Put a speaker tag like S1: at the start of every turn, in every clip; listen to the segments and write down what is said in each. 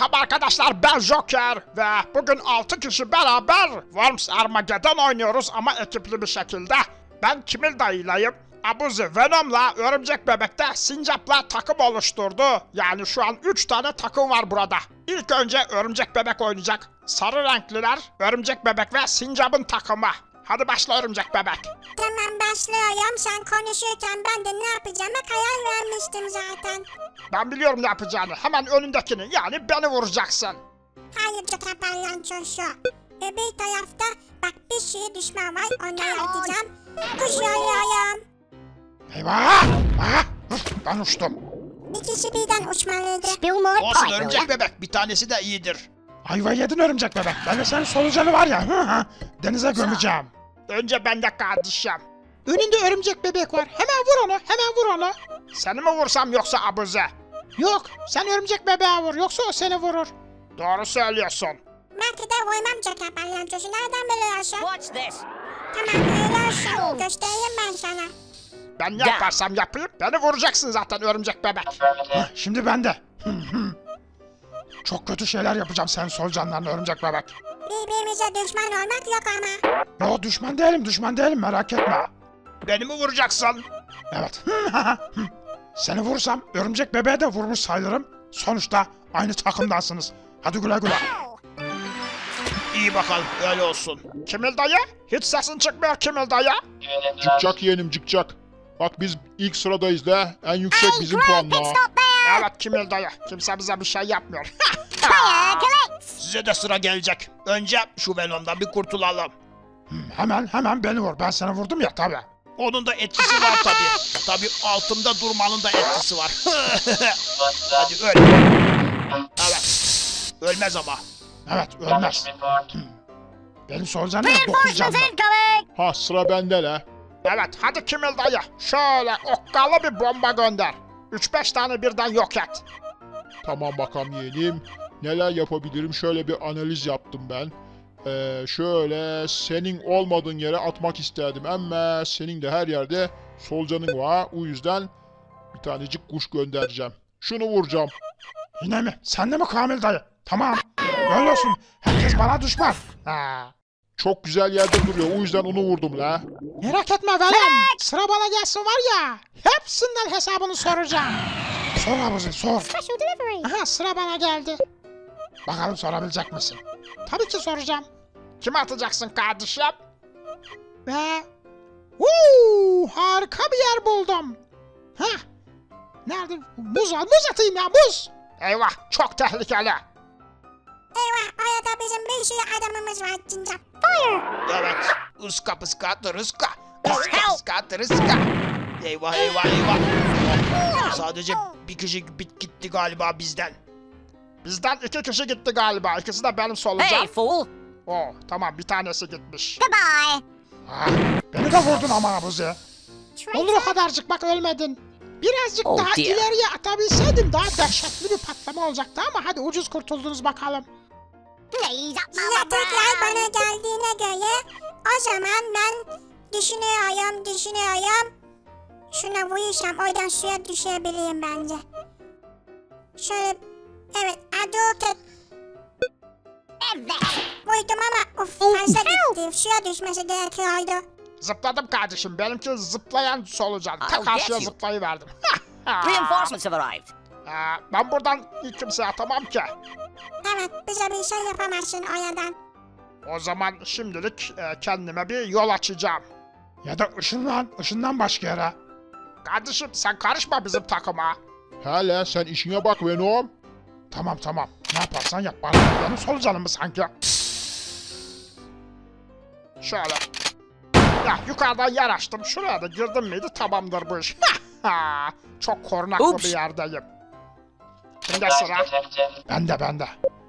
S1: Merhaba arkadaşlar, ben Joker ve bugün 6 kişi beraber Worms Armageddon oynuyoruz ama ekipli bir şekilde. Ben Kimil dayılayım. Abuzi Venom'la Örümcek Bebek'te Sincap'la takım oluşturdu. Yani şu an 3 tane takım var burada. İlk önce Örümcek Bebek oynayacak. Sarı renkliler Örümcek Bebek ve Sincap'ın takımı. Hadi başla Örümcek Bebek.
S2: Tamam başlıyorum. Sen konuşurken ben de ne yapacağıma karar vermiştim zaten.
S1: Ben biliyorum ne yapacağını. Hemen önündekini, yani beni vuracaksın.
S2: Hayır Joker palyaçosu. Bir tarafta bak bir sürü düşman var. Onları atacağım. Uçuyorum.
S1: Eyvah! Ben uçtum.
S2: İkisi birden uçmalıydı.
S3: Olsun Örümcek Bebek, bir tanesi de iyidir.
S1: Ayva yedin Örümcek Bebek. Ben de senin solucanı var ya, denize gömeceğim. Önce ben de kardeşim. Önünde Örümcek Bebek var. Hemen vur onu, hemen vur onu. Seni mi vursam yoksa Abuze? Yok, sen Örümcek Bebeğe vur, yoksa o seni vurur. Doğru söylüyorsun.
S2: Belki de vurmam Joker palyaçosu. Nereden biliyorsun?
S3: What's this?
S2: Tamam öyle olsun. Göstereyim ben sana.
S1: Ben ne yaparsam yapayım, beni vuracaksın zaten Örümcek Bebek. Şimdi ben de. Çok kötü şeyler yapacağım senin solucanlarına Örümcek Bebek.
S2: Birbirimize düşman olmak yok ama.
S1: Yo, düşman değilim, merak etme.
S3: Beni mi vuracaksın?
S1: Evet. Seni vursam Örümcek Bebeğe de vurmuş sayılırım. Sonuçta aynı takımdansınız. Hadi güle güle.
S3: İyi bakalım, öyle olsun.
S1: Kimil dayı? Hiç sesin çıkmıyor Kimil dayı.
S4: Cıkcak yeğenim cıkcak. Bak biz ilk sıradayız da en yüksek bizim puanla.
S1: Evet Kimil dayı. Kimse bize bir şey yapmıyor.
S3: Size de sıra gelecek. Önce şu Venom'dan bir kurtulalım.
S1: Hemen beni vur. Ben seni vurdum ya tabi.
S3: Onun da etkisi var tabii. Tabii altında durmanın da etkisi var. Hadi öl. Evet. Ölmez ama.
S1: Evet ölmez. Benim solucanım da 9 canlı.
S4: Ha sıra bende la.
S1: Evet hadi Kimil dayı. Şöyle okkalı bir bomba gönder. 3-5 tane birden yok et.
S4: Tamam bakalım yeğenim. Neler yapabilirim şöyle bir analiz yaptım ben. Şöyle senin olmadığın yere atmak isterdim ama senin de her yerde solucanın var. O yüzden bir tanecik kuş göndereceğim. Şunu vuracağım.
S1: Yine mi? Sen de mi Kamil dayı? Tamam. Öyle olsun. Herkes bana düşman.
S4: Çok güzel yerde duruyor. O yüzden onu vurdum la.
S1: Merak etme Venom. Sıra bana gelsin var ya. Hepsinden hesabını soracağım. Sor Abuzi sor. Aha sıra bana geldi. Bakalım sorabilecek misin? Tabii ki soracağım. Kime atacaksın kardeşim? Ve... harika bir yer buldum. Hah. Nerede? Muz atayım ya muz. Eyvah çok tehlikeli.
S2: Eyvah orada bizim bir sürü adamımız var Cincap.
S3: Evet. Iska pıska tırıska. Iska pıska tırıska. Eyvah. Sadece bir kişi gitti galiba bizden.
S1: Bizden 2 kişi gitti galiba. İkisi de benim solucan.
S3: fool.
S1: Tamam bir tanesi gitmiş.
S2: Goodbye.
S1: Beni de vurdun ama Abuzi. Olur o kadarcık bak ölmedin. Birazcık
S3: Oh
S1: daha
S3: dear.
S1: ileriye atabilseydin daha dehşetli bir patlama olacaktı ama hadi ucuz kurtuldunuz bakalım.
S2: Size tekrar bana geldiğine göre o zaman ben düşünüyorum. Şuna vurursam oradan suya düşebileyim bence. Şöyle evet aduket. Vurdum ama fazla gitti. Suya düşmesi gerekiyordu.
S1: Zıpladım kardeşim. Benimki zıplayan solucan. Ta
S3: I'll
S1: karşıya
S3: get you.
S1: zıplayıverdim.
S3: Reinforcements have arrived.
S1: Ben buradan ilk kimseye atamam ki.
S2: Evet bize bir şey yapamazsın oradan.
S1: O zaman şimdilik kendime bir yol açacağım. Ya da ışından başka yere. Kardeşim sen karışma bizim takıma.
S4: Hele sen işine bak Venom.
S1: Tamam. Ne yaparsan yap. Bana benim solucanım mı sanki? Şöyle. Ya yukarıdan yer açtım. Şuraya da girdim miydi tamamdır bu iş. Çok korunaklı
S3: Oops.
S1: bir yerdeyim. Kimde sıra? Bende.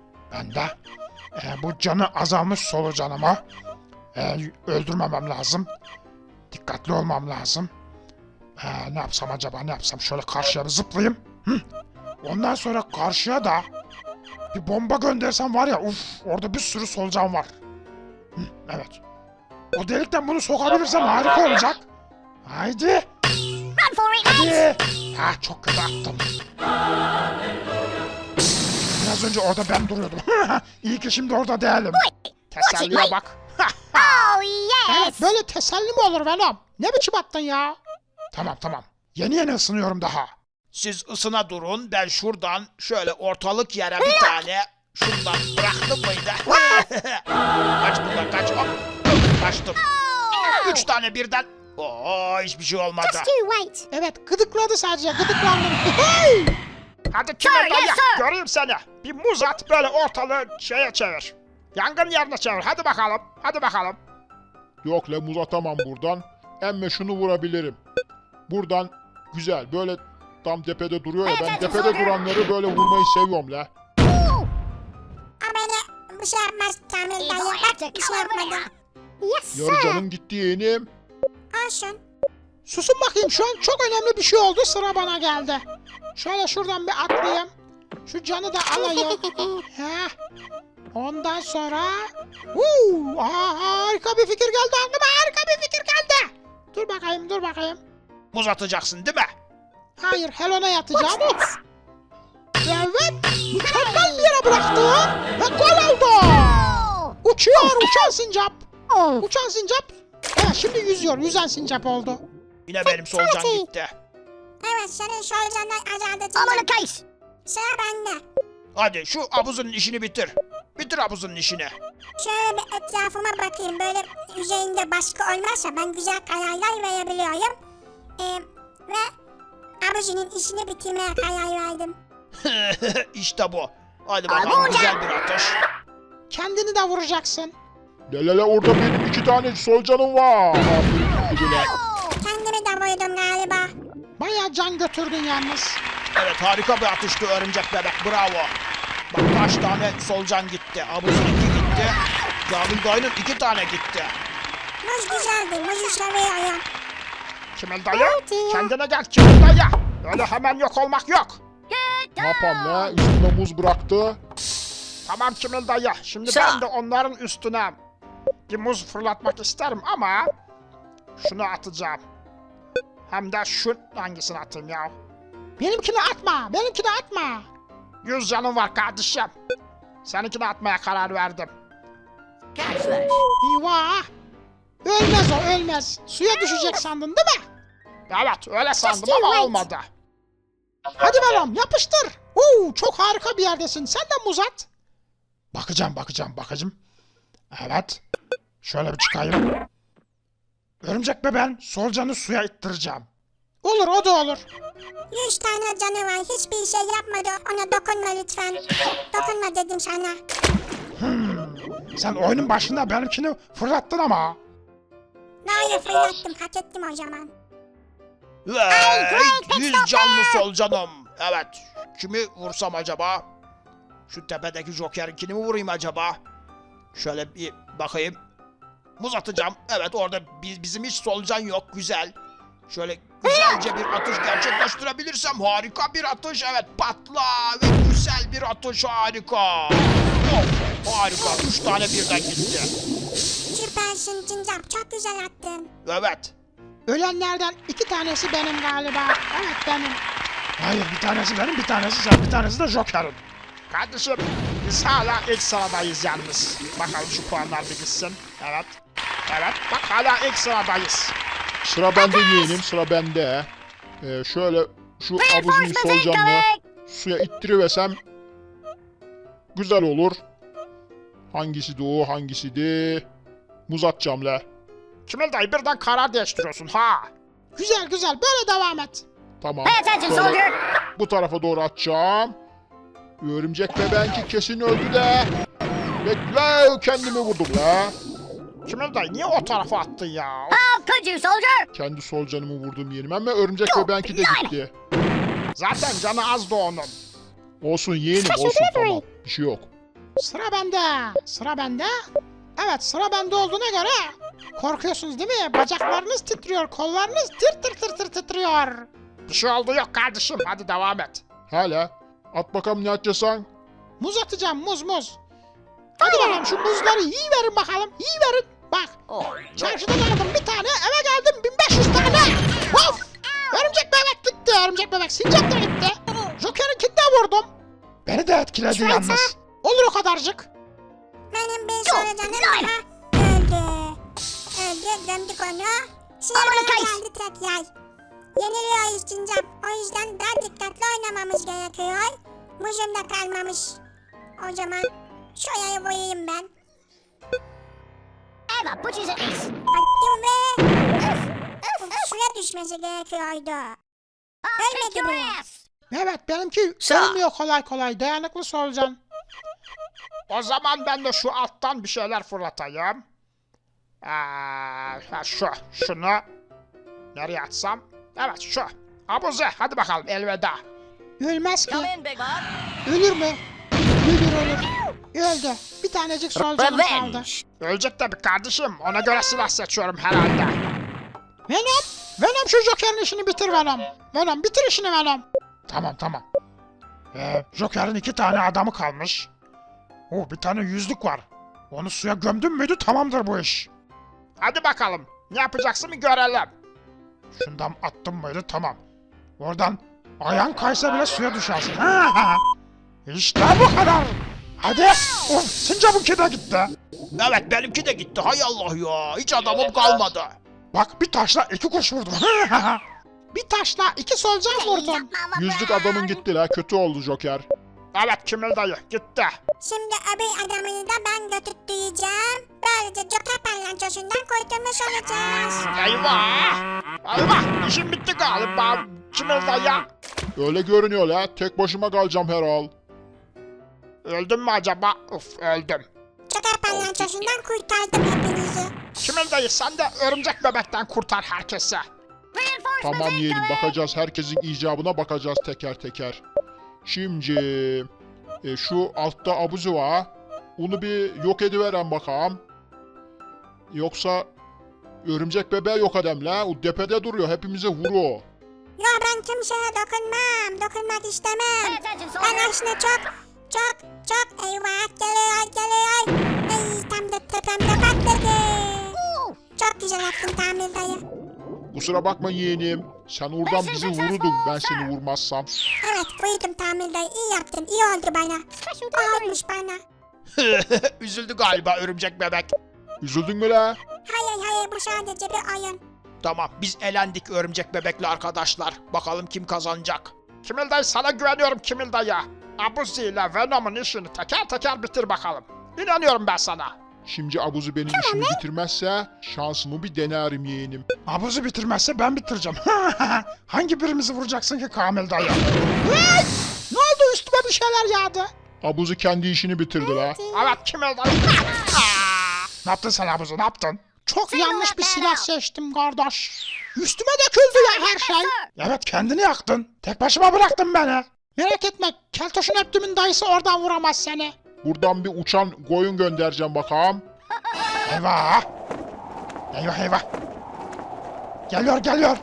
S1: Bu canı azalmış solucanımı öldürmemem lazım. Dikkatli olmam lazım. Ne yapsam acaba? Şöyle karşıya bir zıplayayım. Ondan sonra karşıya da bir bomba göndersem var ya orada bir sürü solucan var. Evet. O delikten bunu sokabilirsem harika olacak. Haydi. Hadi. Çok kötü attım. Az önce orada ben duruyordum. İyi ki şimdi orada değilim. Teselliye bak.
S2: Oh yes.
S1: Evet böyle teselli mi olur Venom? Ne biçim attın ya? Tamam. Yeni ısınıyorum daha.
S3: Siz ısına durun. Ben şuradan şöyle ortalık yere bir tane şundan bıraktım mıydı? Kaç buradan kaç. Hop. Kaçtım. 3 tane birden. Oo hiçbir şey olmadı.
S2: Just you wait.
S1: Evet gıdıkladı sadece gıdıklandım. Hadi Kimil
S2: Sir, yes,
S1: dayı
S2: sir.
S1: göreyim seni. Bir muz at böyle ortalığı şeye çevir. Yangın yerine çevir. Hadi bakalım.
S4: Yok la muz atamam buradan. Emme şunu vurabilirim. Buradan güzel böyle tam tepede duruyor ya ben tepede duranları böyle vurmayı seviyorum la.
S2: Ama beni bir şey yapmaz Kamil dayı. Bak bir şey yapmadım. Yes
S4: Yarı canın gitti yeğenim.
S2: Olsun.
S1: Susun bakayım şu an çok önemli bir şey oldu sıra bana geldi. Şöyle şuradan bir atlayayım. Şu canı da alayım. Heh. Ondan sonra... harika bir fikir geldi aklıma Dur bakayım.
S3: Muz atacaksın değil mi?
S1: Hayır Helena yatacağım. Evet mükemmel bir yere bıraktı. Ve gol oldu. Uçuyor uçan sincap. Uçan sincap. Evet şimdi yüzen sincap oldu.
S3: Yine benim solucan gitti.
S2: Evet senin solucandan azaltacağım. Sıra bende.
S3: Hadi şu abuzun işini bitir. Bitir abuzun işini.
S2: Şöyle bir etrafıma bakayım. Böyle üzerinde baskı olmazsa ben güzel kararlar verebiliyorum. Ve abicinin işini bitirmeye karar verdim.
S3: İşte bu. Hadi bakalım güzel bir atış.
S1: Kendini de vuracaksın.
S4: La orada benim 2 tane solucanım var. Aferin gidiler.
S2: Kendimi de vurdum galiba.
S1: Bayağı can götürdün yalnız.
S3: Evet harika bir atıştı örümcek bebek bravo. Bak kaç tane solucan gitti. Abuzun 2 gitti. Kamil dayının 2 tane gitti.
S2: Muz güzeldi. Muzu seviyorum.
S1: Kimil dayı kendine gel Kimil dayı. Öyle hemen yok olmak yok.
S4: Ne yapam la? Üstüme muz bıraktı.
S1: Tamam Kimil dayı. Şimdi ben de onların üstüne bir muz fırlatmak isterim ama şunu atacağım. Hem de şu hangisini atayım ya? Benimkini atma. 100 canım var kardeşim. Seninkini atmaya karar verdim. Eyvah. Ölmez. Suya düşecek sandın değil mi? Evet öyle sandım ama olmadı. Hadi Venom yapıştır. Çok harika bir yerdesin. Sen de muz at. Bakacağım. Evet. Şöyle bir çıkayım. Örümcek bebeğin solucanı suya ittireceğim. Olur o da olur.
S2: 100 tane canı var. Hiçbir şey yapmadı. Ona dokunma lütfen. Dokunma dedim sana.
S1: Sen oyunun başında benimkini fırlattın ama.
S2: Nerede fırlattım? Hak ettim o zaman.
S3: Ve 100 canlı solucanım. Evet. Kimi vursam acaba? Şu tepedeki Joker'inkini mi vurayım acaba? Şöyle bir bakayım. Muz atacağım. Evet orada bizim hiç solucan yok. Güzel. Şöyle güzelce bir atış gerçekleştirebilirsem harika bir atış. Evet patla ve güzel bir atış harika. Of harika. 3 tane birden gitti.
S2: Süpersin Cincap. Çok güzel attın.
S3: Evet.
S1: Ölenlerden 2 tanesi benim galiba. Evet benim. Hayır bir tanesi benim bir tanesi sen bir tanesi de Joker'in. Kardeşim biz hala ilk sıradayız yalnız. Bakalım şu puanlar bir gitsin. Evet. Bak hala ilk sıradayız.
S4: Sıra bende yeğenim sıra bende. Şöyle şu abuzun solucanını suya ittiriversem güzel olur. Hangisi de o hangisi de muz atacağım la.
S1: Kimil dayı birden karar değiştiriyorsun ha. Güzel böyle devam et.
S4: Tamam. Şöyle bu tarafa doğru atacağım. Örümcek bebenki kesin öldü de. Bekle kendimi vurdum la.
S1: Kimil dayı niye o tarafa attın ya?
S4: Kendi solucanımı vurdum yeğenim ama örümcek bebenki de gitti.
S1: Zaten canı azdı onun.
S4: Olsun yeğenim olsun tamam. Bir şey yok.
S1: Sıra bende. Evet sıra bende olduğuna göre korkuyorsunuz değil mi? Bacaklarınız titriyor, kollarınız tir titriyor. Bir şey oldu yok kardeşim hadi devam et.
S4: Hala. At bakalım ne atacaksın?
S1: Muz atacağım muz. Hadi bakalım şu muzları yiyiverin bakalım yiyiverin. Bak çarşıdan aldım bir tane eve geldim 1500 tane. Of! Örümcek bebek gitti örümcek bebek sincap da gitti. Joker'inkini de vurdum. Beni de etkiledi yalnız. Olur o kadarcık.
S2: Benim bir solucanım daha öldü. Öldü, gömdük onu. Şimdi bana geldi tek yay. Yeniliyor Cincap. O yüzden daha dikkatli oynamamız gerekiyor. Muzum da kalmamış. O zaman şu yayı vurayım ben. Attım ve... Şuraya düşmesi gerekiyordu. Ölmedi mi?
S1: Evet benimki ölmüyor kolay kolay. Dayanıklı solucan. O zaman ben de şu alttan bir şeyler fırlatayım. Şunu nereye atsam? Evet şu. Abuze hadi bakalım elveda. Ölmez ki. Ölür mü? Ölür. Öldü. Bir tanecik solucanım kaldı. Ölecek tabii kardeşim. Ona göre silah seçiyorum herhalde. Venom şu Joker'in işini bitir Venom. Venom bitir işini Venom. Tamam. Joker'in 2 tane adamı kalmış. Bir tane yüzlük var. Onu suya gömdün müydü tamamdır bu iş. Hadi bakalım. Ne yapacaksın bir görelim. Şundan attım mıydı tamam. Oradan ayağın kaysa bile suya düşersin. İşte bu kadar. Hadi. Sincap'ınki de gitti.
S3: Evet benimki de gitti. Hay Allah ya. Hiç adamım kalmadı.
S1: Bak bir taşla 2 kuş vurdum. Bir taşla 2 solucan vurdum.
S4: Yüzlük adamın gitti la. Kötü oldu Joker.
S1: Evet Kimil dayı gitti.
S2: Şimdi öbür adamını da ben götürteceğim. Böylece Joker palyaçosundan kurtulmuş olacağız.
S1: Eyvah. İşim bitti galiba Kimil dayı.
S4: Öyle görünüyor la. Tek başıma kalacağım herhal.
S1: Öldüm mü acaba? Öldüm.
S2: Joker palyaçosundan kurtardım hepinizi.
S1: Kimil dayı sen de örümcek bebekten kurtar herkese.
S4: Tamam yeğenim, bakacağız. Herkesin icabına bakacağız teker teker. Şimdi şu altta abuzu var. Onu bir yok ediveren bakalım. Yoksa örümcek bebeği yok edem la. O tepede duruyor. Hepimize vuruyor.
S2: Ya ben kimseye dokunmam. Dokunmak istemem. Ben aslında çok eyvah geliyor. Ay tam da tepemde patladı. Çok güzel yaptın Tamir dayı.
S4: Kusura bakma yeğenim. Sen oradan bizi vururdun ben seni vurmazsam.
S2: Evet vurdum Tamir dayı. İyi yaptın. İyi oldu bana. Olmuş bana.
S3: Üzüldü galiba örümcek bebek.
S4: Üzüldün mü la?
S2: Hayır bu sadece bir oyun.
S3: Tamam biz elendik örümcek bebekle arkadaşlar. Bakalım kim kazanacak.
S1: Kimil dayı sana güveniyorum Kimil dayı. Abuzi ile Venom'un işini teker teker bitir bakalım. İnanıyorum ben sana.
S4: Şimdi abuzu benim işimi bitirmezse şansımı bir denerim yeğenim.
S1: Abuzi bitirmezse ben bitireceğim. Hangi birimizi vuracaksın ki Kamil dayı? Ne oldu üstüme bir şeyler yağdı.
S4: Abuzu kendi işini bitirdi la.
S1: Evet Kimil dayı. Ne yaptın sen Abuzi ne yaptın? Çok yanlış bir silah seçtim kardeş. Üstüme döküldü ya her şey. Evet kendini yaktın. Tek başıma bıraktın beni. Merak etme Keltoş'un Neptüm'ün dayısı oradan vuramaz seni.
S4: Buradan bir uçan koyun göndereceğim bakalım.
S1: Eyvah. Geliyor.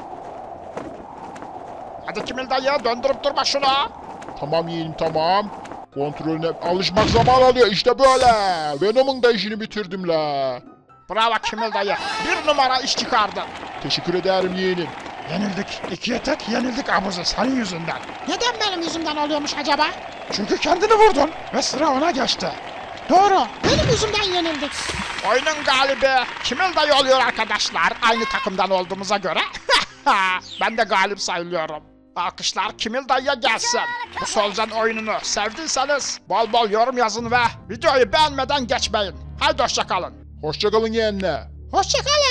S1: Hadi Kimil dayı döndürüp durma şunu.
S4: Tamam yeğenim tamam. Kontrolüne alışmak zaman alıyor işte böyle. Venom'un da işini bitirdim la.
S1: Bravo Kimil dayı. 1 numara iş çıkardın.
S4: Teşekkür ederim yeğenim.
S1: Yenildik. 2'ye tek yenildik Abuzi senin yüzünden. Neden benim yüzümden oluyormuş acaba? Çünkü kendini vurdun ve sıra ona geçti. Doğru. Benim yüzümden yenildik. Oyunun galibi Kimil dayı oluyor arkadaşlar. Aynı takımdan olduğumuza göre. Ben de galip sayılıyorum. Alkışlar Kimil dayıya gelsin. Bu solucan oyununu sevdiyseniz bol bol yorum yazın ve videoyu beğenmeden geçmeyin. Haydi hoşçakalın.
S4: Hoşçakalın yeğenle.
S1: Hoşçakalın.